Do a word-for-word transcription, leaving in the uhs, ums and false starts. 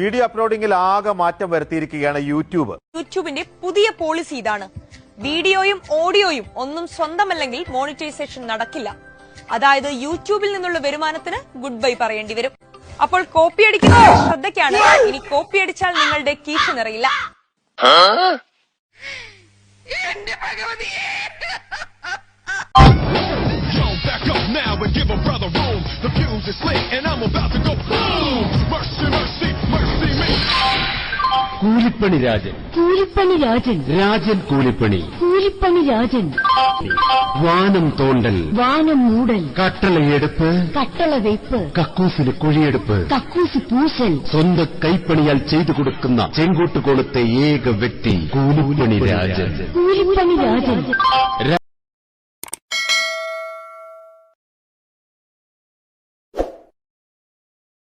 Video അപ്ലോഡിംഗിൽ ആകെ മാറ്റം വരുത്തിയിരിക്കുകയാണ് YouTube. യൂട്യൂബിന്റെ പുതിയ പോളിസി ഇതാണ്. വീഡിയോയും ഓഡിയോയും ഒന്നും സ്വന്തമല്ലെങ്കിൽ മോണിറ്റൈസേഷൻ നടക്കില്ല. അതായത് യൂട്യൂബിൽ നിന്നുള്ള വരുമാനത്തിന് ഗുഡ് ബൈ പറയേണ്ടി വരും. അപ്പോൾ കോപ്പി അടിക്കുന്നവരുടെ ശ്രദ്ധയ്ക്കാണ്. ഇനി കോപ്പി അടിച്ചാൽ നിങ്ങളുടെ കീശ നിറയില്ല. Now and give a brother room. The fuse is lit and I'm about to go boom. Mercy, mercy, mercy me. കൂലിപ്പണി രാജൻ കൂലിപ്പണി രാജൻ രാജൻ കൂലിപ്പണി കൂലിപ്പണി രാജൻ വാനം തോണ്ടൽ വാനം മൂടൽ കട്ടളയെടുപ്പ് കട്ടള വെയ്പ്പ് കക്കൂസിന് കുഴിയെടുപ്പ് കക്കൂസ് പൂശൽ സ്വന്തം കൈപ്പണിയാൽ ചെയ്തു കൊടുക്കുന്ന ചെങ്കോട്ടുകോണത്തെ ഏക വ്യക്തി കൂലിപ്പണി രാജൻ കൂലിപ്പണി രാജൻ